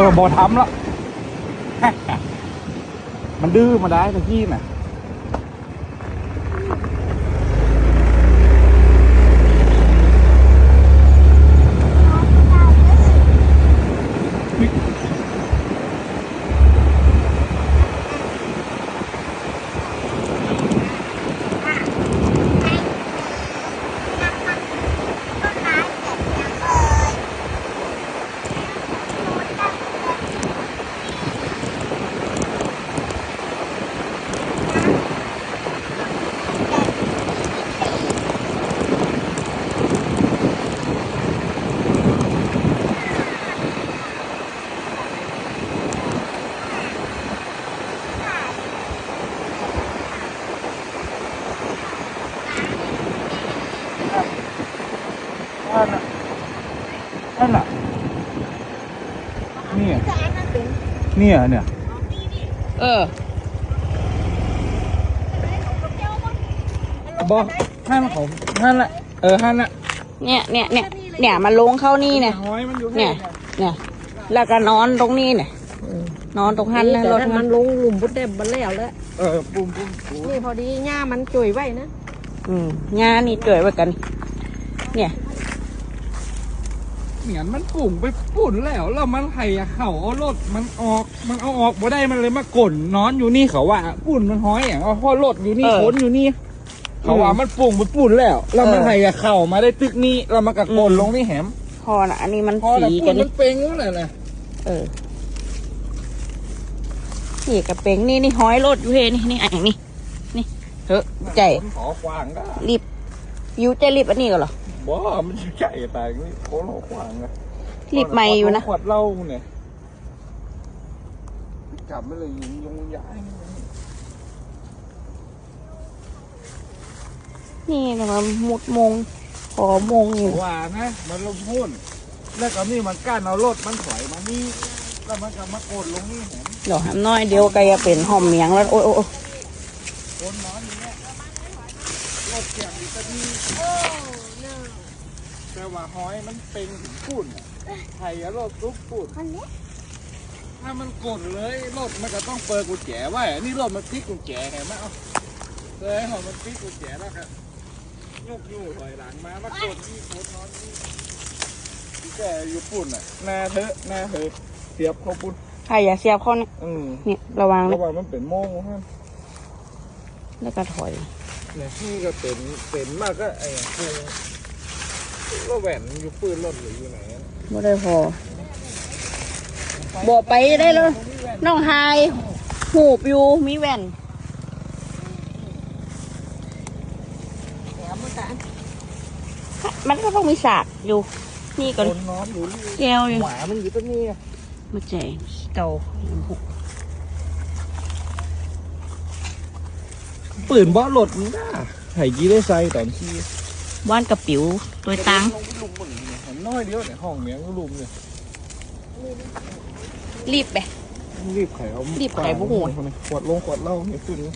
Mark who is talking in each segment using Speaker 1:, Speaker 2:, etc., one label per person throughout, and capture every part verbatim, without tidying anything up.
Speaker 1: อบอทำแล้วมันดื้อมาได้ตะกี้น่ะนั่นน่ะนั่นน่ะเนี่ยเนี่ยเนี่ย
Speaker 2: เออ
Speaker 1: บอกห้านของห้านละเออห้านละ
Speaker 2: เนี่ยเนี่ยเนี่ยเนี่ยมาลงเข้านี่เนี่ย
Speaker 1: ห้อยมันอยู่
Speaker 2: เนี่ยเนี่ยแล้วก็นอนตรงนี้เนี่ยนอนตรงหันนะรถ
Speaker 3: มั
Speaker 2: มัน น
Speaker 3: ลงหลุมพุทธเด็บมันแล้วแล้ว
Speaker 1: เออปุ่มปุ่มปุ่ม
Speaker 3: นี่พอดีหญ้ามันจุยไว้นะ
Speaker 2: อืมงานนี่เกิดไว้กัน เนี่ย
Speaker 1: เหมือนมันปุ่งไปปุ่นแล้วแล้วมันไห่เข่าเอารถมันออกมันเอาออกบ่ได้มันเลยมากลนนอนอยู่นี่เขาว่าปุ่นมันห้อยอย่างเอาพ่อรถอยู่นี่ขนอยู่นี่เขาว่ามันปุ่งไปปุ่นแล้วแล้วมันไห่เข่ามาได้ตึกนี้แล้วมันก็กลนลงนี่แหม
Speaker 2: พอนะอันนี้มัน
Speaker 1: พอแต่
Speaker 2: สี
Speaker 1: ปุ่
Speaker 2: กัน น
Speaker 1: มั
Speaker 2: นี่
Speaker 1: นเป่งแล้วนะ
Speaker 2: เออนี่กระเป๋งนี่นี่ห้อยรถอยู่เฮนี่นี่อันอย่างนี้นี่เถอะใจ
Speaker 1: ขอควางก็
Speaker 2: รีบยูใจรีบอันนี้ก็เหรอ
Speaker 1: บ่มันใหญ่แต่นี่โค้งขวางนะ
Speaker 2: รีบไม่อยู่นะ
Speaker 1: ขวดเหล้าเนี่ยกลับไม่เลยยิงยงย้าย
Speaker 2: นี่แต่มามุดมงขอมงอยู่
Speaker 1: ว่านะมันลงหุ้นแล้วก็นี่มันก้านเอารถมันถอยมานี่แล้วมันก็มาโกดลงนี่เห็น
Speaker 2: เดี๋ยวทำน้อยเดียวก็จะเป็นหอมเมียงแล้วโอ้ยโอ้ย
Speaker 1: คนนอนอย่างเงี้ยรถเสียงดีก็ดีแต่ว่าหอยมันเป็นถึงปุ่นไทยรถลุกปุ่นถ้ามันกดเลยรถมันก็ต้องเปิดกุญแจไว้นี่รถมันติ๊กกุญแจไงมาเอาเลยหอมันติ๊กกุญแจแล้วครับยกอยู่ถอยหลังมามากดที่คนนอนนี่แกอยู่ปุ่นอ่ะหน้าเถอะหน้าเถอะเสียบเขาปุ่น
Speaker 2: ใครอย่าเสียบเข้อนี่
Speaker 1: อืม
Speaker 2: เนี่ยระวัง
Speaker 1: เพ
Speaker 2: นะ
Speaker 1: ราะว่ามันเป็นโม่งฮะ
Speaker 2: แล้วก็ถอย
Speaker 1: เนี่ยที่ก็เป็นเป็นมากก็ไอ้คูก็แหวนอยู่ปืนรถหรืออยู่ไหน
Speaker 2: ไม่ได้พอบอกไปได้เลยน้องไฮหูบอยู่มีแว่นมันก็ต้องมีสากอยู่นี่ก่อน
Speaker 1: คนนอนอยู่นี่
Speaker 2: แก้วอยู่
Speaker 1: หมามันอยู่ตรงนี้
Speaker 2: มาแจงเก่า
Speaker 1: ปืนบ่หลดมันได้ไห่ยี่ได้ใส่ตอนที่
Speaker 2: ว่านกระปิ๋วตัวตัง
Speaker 1: ลงไปลุมมันเนี่ยเห็นน้อยเดียวเนี่ยห้องเมียงก็ลุมเนี่ย
Speaker 2: รีบไป
Speaker 1: รีบไข่เอา
Speaker 2: รีบไขพวกหัว
Speaker 1: ขวดลงขวดเหล้าเนี่ยขึ้น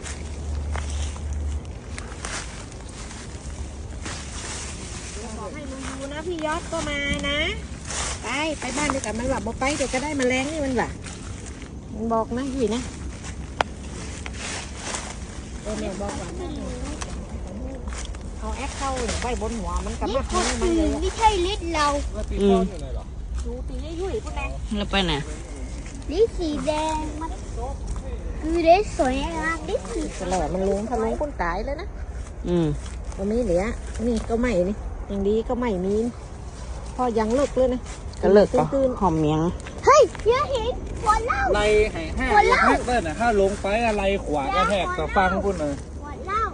Speaker 3: บอกให้มึงดูนะพี่ยอดก็มานะไปไปบ้านเดียวกันมันหลับบ่ไปเดี๋ยวก็ได้แมลงนี่มันหล่ะมันบอกนะพี่นะเออแม่บอกว่าเอาแอคเข้าไว้บนหัวมันกับมาข้างมันเลย
Speaker 4: ไม่ใช่ลิตรเรา
Speaker 1: แล้วตีก้อนอยู่ไหนหรอ
Speaker 3: ดูตีให้ยุ่ยพวกนั้น
Speaker 2: แล้วไปไหน
Speaker 4: ลิตรสีแดงมันคือได้สวยงามลิตรสี
Speaker 3: ตลอดมันลุงถ้าลุงคนตายเลยนะ
Speaker 2: อืม
Speaker 3: ตรงนี้เหลือนี่ก็ไม่นี่อย่างดีก็ไม่มีพอยังเลิกเลยนะ
Speaker 2: ก็เลิกก็
Speaker 3: ตื่น
Speaker 2: หอมเมียง
Speaker 4: เฮ้ยเดี๋ยวเห็นหัวเล่า
Speaker 1: ไล่ไห่ห้าแทกเลยนะถ้าลงไปอะไรขวากระแทกกับฟังพุ่นเลย
Speaker 4: หัวเล่า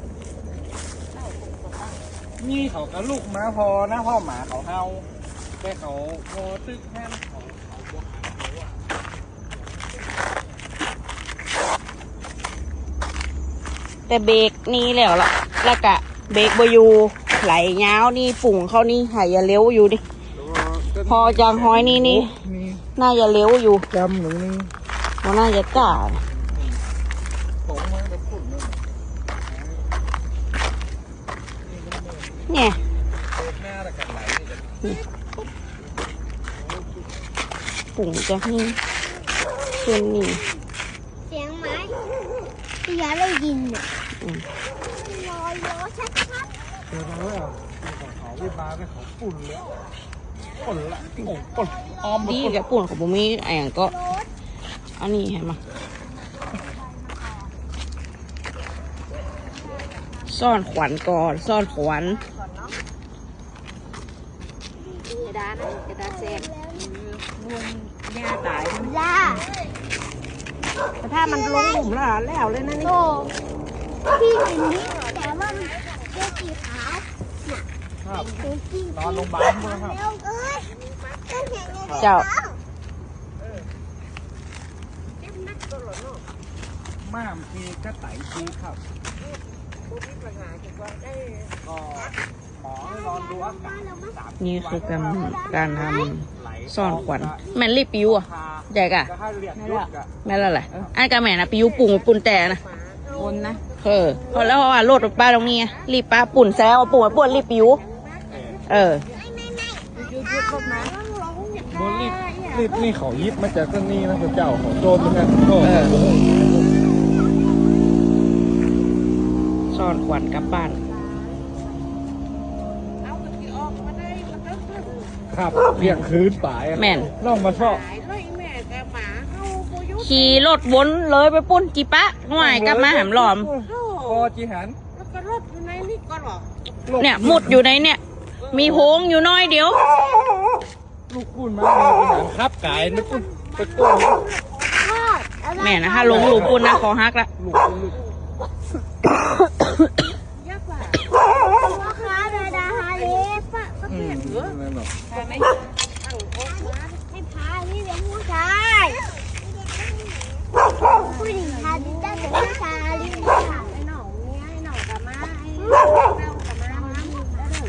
Speaker 1: นี่เขาก็ลูกม้าพอนะพ่อหมาเขาเฮาแต่เขาพอตึกแค่เขาเขาบวกเขาอะ
Speaker 2: แต่เบรกนี่แล้วล่ะแล้วก็เบรกบอยู่ไหลยาวนี่ปุ่งเข้านี่หายอย่าเลี้ยวอยู่ดิ พอจางห้อยนี่นี่
Speaker 1: นี่
Speaker 2: น่าจะเลี้ยวอยู่
Speaker 1: จำหนึ่งนี่
Speaker 2: มันน่าจะจ่า
Speaker 1: ผมมาจะพูดเลย
Speaker 2: เนี่ย
Speaker 1: เปิดหน้าแต่กันไหลนี่จะ
Speaker 2: ปุ่งจะให้เช่นนี้
Speaker 4: เสียงไม้พี่ยาได้ยินเนี่ย
Speaker 2: อืม
Speaker 4: ลอยล้อชัด
Speaker 1: เจอมาแล้วของเขาที่มาเป็นของปุ่นเลยปุ่นละโอ้ปุ่นออม
Speaker 2: ดี
Speaker 1: ปุ่น
Speaker 2: กับปุ่นของผมมีอะไรอย่างก็ อันนี้เห็นไหมซ่อนขวัญก่อนซ่อนขวัญ
Speaker 3: กระดาษนะกระดาษแซมรวมหญ้าตาย
Speaker 4: ๆย่า
Speaker 3: แต่ถ้ามันลงหลุมแล้วแล้วเลยนะนี่
Speaker 4: โตพี่เห็นนี่แต่ว่ามันเป็นสีขาว
Speaker 1: ครับ
Speaker 4: เป็นสี
Speaker 1: นอนโรงพยาบาลมั้งครับ
Speaker 4: เร็วเอ้ยก็เห็นไง
Speaker 2: เจ้า
Speaker 1: ม่ามทีกระไตทีครับก็หมอให้นอนดูอากาศสาม
Speaker 2: นี่คือการการท
Speaker 1: ไหล
Speaker 2: ำซ่อนขวัญแม่นรีบปิวอ่ะใหญ่กะ
Speaker 1: จะให้เรียกยุดอะ
Speaker 2: แม่นละไรอันกะแม่นะปิวปุ่งปุ่นแต่นะ
Speaker 3: คนนะ
Speaker 2: เออพอแล้วเพราะว่าโลดป้าตรงนี้ไงรีบป้าปุ่นแซวปุ่นปุ่นรีบปิวเออ
Speaker 3: ยุดยุดรถมา
Speaker 1: บนรีบรีบนี่เขายิบมาจากต้นนี้นะพระเจ้าเขาโจรเหมือนกันโอ้
Speaker 2: เออ
Speaker 1: โห
Speaker 2: ซ่อนขวัญกลับบ้าน
Speaker 3: เอาตะกี้ออกมาได้มันก็ขึ้น
Speaker 1: ครับเรียกคืนป่ายอะ
Speaker 2: แม่น
Speaker 1: ล่องมาชอบ
Speaker 3: หายเลยแม่กับหมาเข้าโบยุ
Speaker 2: ขี่รถวนเลยไปปุ้นจีปะหน่วยกลับมาหามหลอม
Speaker 1: คอจีหัน
Speaker 3: แล้วก็รถอยู่ในนี่ก็หรอ
Speaker 2: เนี่ยมุดอยู่ในเนี่ย มีโพงอยู่น้อยเดียว
Speaker 1: ลูกปุ้นมาเลยจีหันครับไก่นึกปุ้นไปก้น
Speaker 2: แม่นะถ้าลงหลูปุ้นนะคอหักละ
Speaker 1: ลูกปุ้นลูก
Speaker 3: ยักษ์ว่ะ
Speaker 4: พ่อค้าเดาดาฮาเลฟอะ
Speaker 1: อืมนั่นหรอก
Speaker 3: ใช่ไหมตั้งโอ๊คมา
Speaker 4: ให้พาพี่เป็นผู้ชาย ผู้หญิงพาดิได้เป็นผู้ชายลิงค่ะ
Speaker 3: ไอ้หน่องเนี่ยไอ้หน่องกับม้าไอ้เต้ากับม้าม้ามีแล้วเด้อ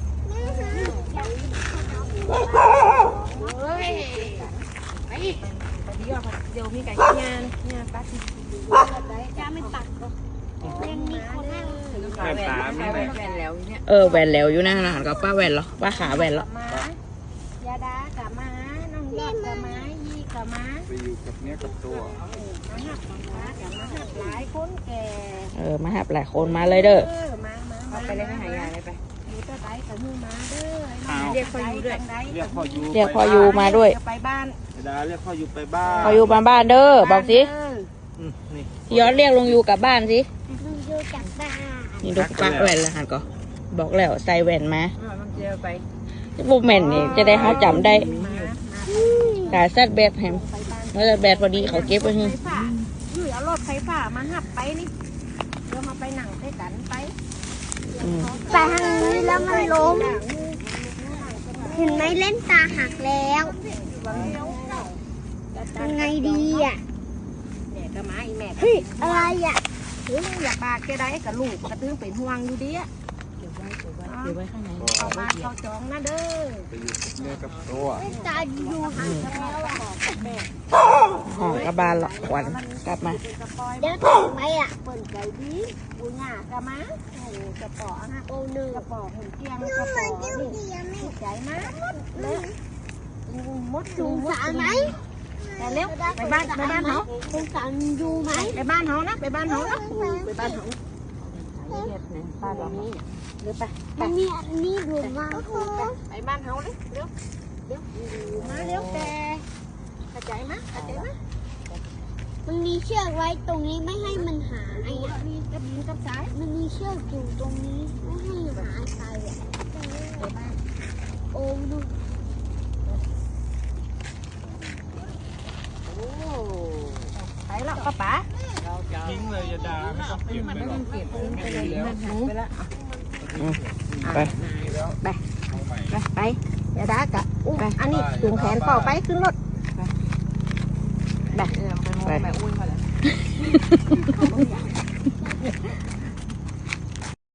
Speaker 3: เฮ้ยไปไปเดี๋ยวเดี๋ยวมีไก่ย่างย่างตัด
Speaker 4: จะไม่ตัดหรอกยังมีคนนั่ง
Speaker 1: แม่ตาไม่ได้
Speaker 3: แฟนแล้วเนี่ย
Speaker 2: เออแหวนแล้วอยู่นะอาหารกับป้าแหวนเหรอป้าขาแหวนเหรอ
Speaker 3: ม้ายาดากับม้าน้องยอดกับม้ายีกับม้า
Speaker 1: ไปอยู่กับเนี้ยกับตัว
Speaker 3: มาหักม้ากับม้าหักหลายคนแก่
Speaker 2: เออมาหับหลายคนมาเลยเด้อ
Speaker 3: เออมามามาไปเลยไม่หายาเลยไปอยู่ตะไดกับมือมาเด้อเรียกพออยู่ด้วย
Speaker 1: เรียกพ่อยู
Speaker 2: เรียกพออยู่มาด้วย
Speaker 3: ไปบ้าน
Speaker 1: ดาเรียกพ่อยูไปบ้าน
Speaker 2: พออยู่มาบ้านเด้อบอกสิ
Speaker 1: อืมนี่
Speaker 2: ย้อนเรียกลงอยู่กลับบ้านสิ
Speaker 4: ลุงดูจากบ้าน
Speaker 2: นี่ดูป้าแหวนแล้วหันก็บอกแล้วใส่แหวนมา
Speaker 3: มันเจอไป
Speaker 2: บุแม่นนี่จะได้เขาจำได้
Speaker 3: มา
Speaker 2: กาซัดแบดแฮม
Speaker 3: ไปบ้าน
Speaker 2: เมื่อแบดพอดีเขาเก็บไว้ให้
Speaker 3: ไฟฟ้าอยู่เอารถไฟฟ้ามาหับไปนี่เดี๋ยวมาไปหนังด้วยกันไป
Speaker 2: อืม
Speaker 4: ไปทางนี้แล้วมันล้มเห็นไหมเล่นตาหักแล้วยังไงดีอ่ะ
Speaker 3: แม่ก็มาอีแม่
Speaker 4: เฮ้ยอะไรอ่ะ
Speaker 3: ถึงอยากปากแกได้กับลูกกระตื้งเป็นห่วงอยู่ดีอ่ะ
Speaker 2: เก็บไว้เก็บไว้เก็บไว้ข้างใน
Speaker 3: เข้าบ้านเข้าจองนะเด้อ
Speaker 1: ไปอยู่กับเนี้ยกับตัว
Speaker 4: เล่นตาอยู่หักแล้วอ่ะ
Speaker 2: ห้องกลับบ้านหรอกขวัญกลับมา
Speaker 4: เดี๋ยวถึงไหมอ่ะ
Speaker 3: เปิ่นใจดีปูหน้ากะมาโอ้กระป๋อฮะ
Speaker 4: โอ้หนึ่ง
Speaker 3: กระป๋อหุ่นเตียงกระป๋อนี่ใจมากเลยมด
Speaker 4: สงสารไหม
Speaker 3: แต่เร็วไปบ้านไปบ้านเขา
Speaker 4: สงสารอยู่ไหม
Speaker 3: ไปบ้านเขานะไปบ้านเขานะไปบ้านเขาบ้านเรานี่เร็วไป
Speaker 4: มันมีอันนี้ดูมาก
Speaker 3: ไปบ้านเขาเลยเร็วเร็วมาเร็วแต่กระจายมากระจายมาก
Speaker 4: มันมีเชือกไว้ตรงนี้ไม่ให้มันหายอ่ะ
Speaker 3: มีกระบินกับสาย
Speaker 4: มันมีเชือกอยู่ตรงนี้ไม่ให้หายไปอ่ะ
Speaker 3: ไปบ้าน
Speaker 4: โอ้ดู
Speaker 3: โอ้ไปแล้วป้าป๋า
Speaker 1: ทิ้งเลยอย่าด่าไม่ต้องเก็บไปหรอก
Speaker 3: เก็บไปเลยไปแล้ว
Speaker 2: ไป
Speaker 3: ไปไปไปอย่าด่ากะอุ้มอันนี้ถุงแขนเป่าไปขึ้นรถไป
Speaker 2: ไป
Speaker 3: ไปอุ้ยมาแล้ว